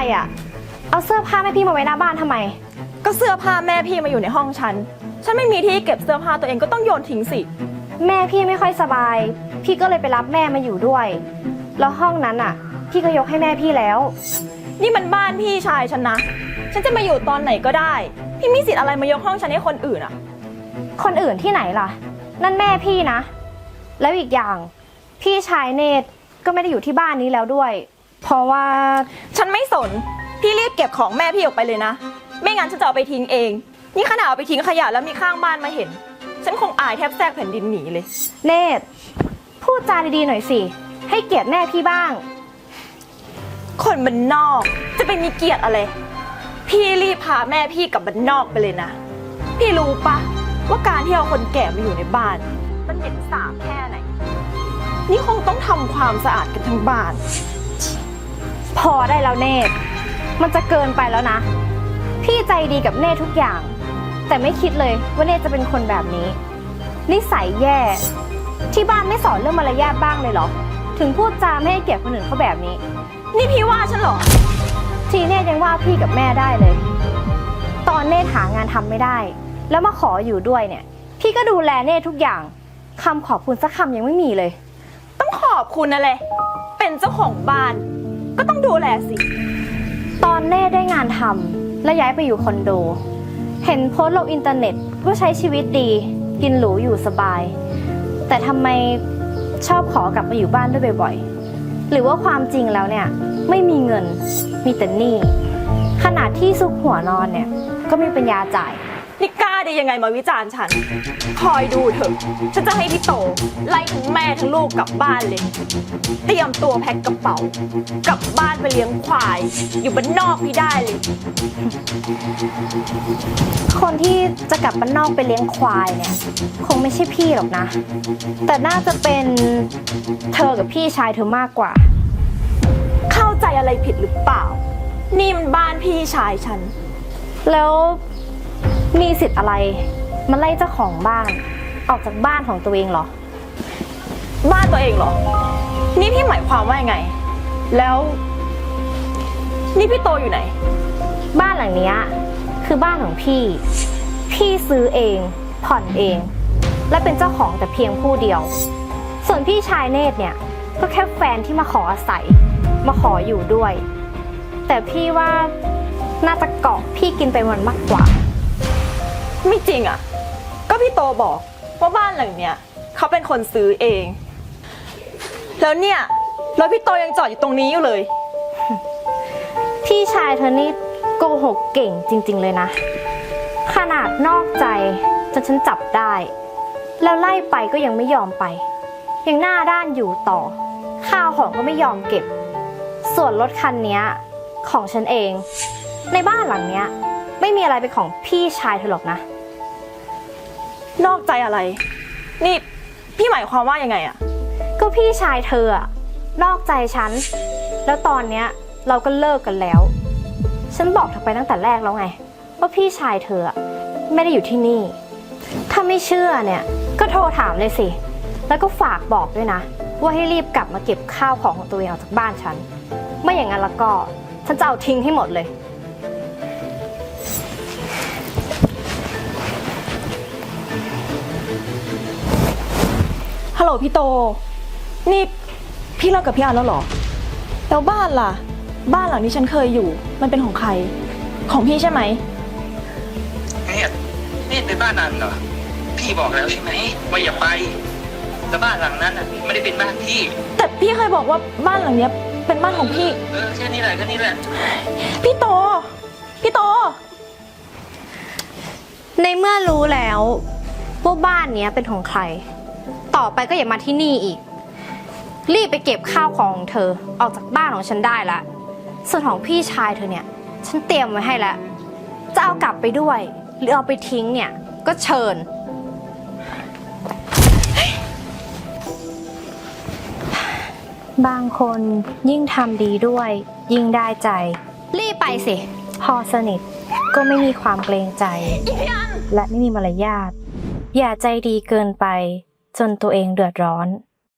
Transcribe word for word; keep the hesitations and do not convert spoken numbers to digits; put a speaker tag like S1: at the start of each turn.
S1: อ่ะเอาเสื้อผ้าแม่พี่มาไว้หน้าบ้านทำไม
S2: ก็เสื้อผ้าแม่พี่มาอยู่ในห้องฉันฉันไม่มีที่เก็บเสื้อผ้าตัวเองก็ต้องโยนทิ้งสิ
S1: แม่พี่ไม่ค่อยสบายพี่ก็เลยไปรับแม่มาอยู่ด้วยแล้วห้องนั้นอ่ะพี่ก็ยกให้แม่พี่แล้ว
S2: นี่มันบ้านพี่ชายฉันนะฉันจะมาอยู่ตอนไหนก็ได้พี่มีสิทธิ์อะไรมายกห้องฉันให้คนอื่นอ่ะ
S1: คนอื่นที่ไหนล่ะนั่นแม่พี่นะแล้วอีกอย่างพี่ชายเนตรก็ไม่ได้อยู่ที่บ้านนี้แล้วด้วยเพราะว่า
S2: ฉันไม่สนพี่รีบเก็บของแม่พี่ออกไปเลยนะไม่งั้นฉันจะเอาไปทิ้งเองนี่ขนาดเอาไปทิ้งขยะแล้วมีข้างบ้านมาเห็นฉันคงอายแทบแทรกแผ่นดินหนีเลย
S1: เนตรพูดจาดีๆหน่อยสิให้เกียรติแม่พี่บ้าง
S2: คนบ้านนอกจะไปมีเกียรติอะไรพี่รีบพาแม่พี่กลับบ้านนอกไปเลยนะพี่รู้ปะว่าการที่เอาคนแก่มาอยู่ในบ้านมันเหม็นสาบแค่ไหนนี่คงต้องทำความสะอาดกันทั้งบ้าน
S1: พอได้แล้วเนตรมันจะเกินไปแล้วนะพี่ใจดีกับเนตรทุกอย่างแต่ไม่คิดเลยว่าเนตรจะเป็นคนแบบนี้นิสัยแย่ที่บ้านไม่สอนเรื่องมารยาทบ้างเลยเหรอถึงพูดจาไม่ให้เกียรติคนอื่นเขาแบบนี้
S2: นี่พี่ว่าฉันเหรอ
S1: ทีเนตรยังว่าพี่กับแม่ได้เลยตอนเนตรหางานทำไม่ได้แล้วมาขออยู่ด้วยเนี่ยพี่ก็ดูแลเนตรทุกอย่างคำขอบคุณสักคำยังไม่มีเลย
S2: ต้องขอบคุณอะไรเป็นเจ้าของบ้านก็ต้องดูแลสิ
S1: ตอนเนตรได้งานทำและย้ายไปอยู่คอนโดเห็นโพสต์ลงอินเทอร์เน็ตว่าใช้ชีวิตดีกินหรูอยู่สบายแต่ทำไมชอบขอกลับมาอยู่บ้านด้วยบ่อยๆหรือว่าความจริงแล้วเนี่ยไม่มีเงินมีแต่หนี้ขนาดที่ซุกหัวนอนเนี่ยก็ไม่มีปัญญาจ่าย
S2: นี่กล้าได้ยังไงมาวิจารณ์ฉันคอยดูเถอะฉันจะให้พี่โตไล่ทั้งแม่ทั้งลูกกลับบ้านเลยเตรียมตัวแพ็คกระเป๋ากลับบ้านไปเลี้ยงควายอยู่บ้านนอกพี่ได้เลย
S1: คนที่จะกลับบ้านนอกไปเลี้ยงควายเนี่ยคงไม่ใช่พี่หรอกนะแต่น่าจะเป็นเธอกับพี่ชายเธอมากกว่า
S2: เข้าใจอะไรผิดหรือเปล่านี่มันบ้านพี่ชายฉัน
S1: แล้วมีสิทธิ์อะไรมาไล่เจ้าของบ้านออกจากบ้านของตัวเองเหรอ
S2: บ้านตัวเองเหรอนี่พี่หมายความว่ายังไงแล้วนี่พี่โตอยู่ไหน
S1: บ้านหลังนี้คือบ้านของพี่พี่ซื้อเองผ่อนเองและเป็นเจ้าของแต่เพียงผู้เดียวส่วนพี่ชายเนตรเนี่ยก็แค่แฟนที่มาขออาศัยมาขออยู่ด้วยแต่พี่ว่าน่าจะเกาะพี่กินไปวันมากกว่า
S2: ไม่จริงอ่ะก็พี่โตบอกว่าบ้านหลังเนี้ยเขาเป็นคนซื้อเองแล้วเนี่ยแล้วพี่โตยังจอดอยู่ตรงนี้อยู่เลย
S1: พี่ชายเธอนี่โกหกเก่งจริงๆเลยนะขนาดนอกใจจนฉันจับได้แล้วไล่ไปก็ยังไม่ยอมไปยังหน้าด้านอยู่ต่อข้าวของก็ไม่ยอมเก็บส่วนรถคันนี้ของฉันเองในบ้านหลังเนี้ยไม่มีอะไรเป็นของพี่ชายเธอหรอกนะ
S2: นอกใจอะไรนี่พี่หมายความว่ายังไงอะ
S1: ก็พี่ชายเธออะนอกใจฉันแล้วตอนเนี้ยเราก็เลิกกันแล้วฉันบอกเธอไปตั้งแต่แรกแล้วไงว่าพี่ชายเธอไม่ได้อยู่ที่นี่ถ้าไม่เชื่อเนี่ยก็โทรถามเลยสิแล้วก็ฝากบอกด้วยนะว่าให้รีบกลับมาเก็บข้าวของของตัวเองออกจากบ้านฉันไม่อย่างนั้นแล้วก็ฉันจะเอาทิ้งให้หมดเลย
S2: ฮัลโหลพี่โตนี่พี่เลิกกับพี่อันแล้วเหรอแล้วบ้านล่ะบ้านหลังที่ฉันเคยอยู่มันเป็นของใครของพี่ใช่ไหม
S3: เนี่ยนี่เป็นบ้านอันเหรอพี่บอกแล้วใช่ไหมว่าอย่าไปแต่บ้านหลังนั้นอ่ะไม่ได้เป็นบ้านพี่
S2: แต่พี่เคยบอกว่าบ้านหลังเนี้ยเป็นบ้านของพี่
S3: เออแค่นี้แหละแค่นี้แหละ
S2: พี่โตพี่โต
S1: ในเมื่อรู้แล้วว่าบ้านเนี้ยเป็นของใครต่อไปก็อย่ามาที่นี่อีกรีบไปเก็บข้าวของของเธอออกจากบ้านของฉันได้ละส่วนของพี่ชายเธอเนี่ยฉันเตรียมไว้ให้แล้วจะเอากลับไปด้วยหรือเอาไปทิ้งเนี่ยก็เชิญบางคนยิ่งทำดีด้วยยิ่งได้ใจรีบไปสิพอสนิทก็ไม่มีความเกรงใจและไม่มีมารยาทอย่าใจดีเกินไปจนตัวเองเดือดร้อน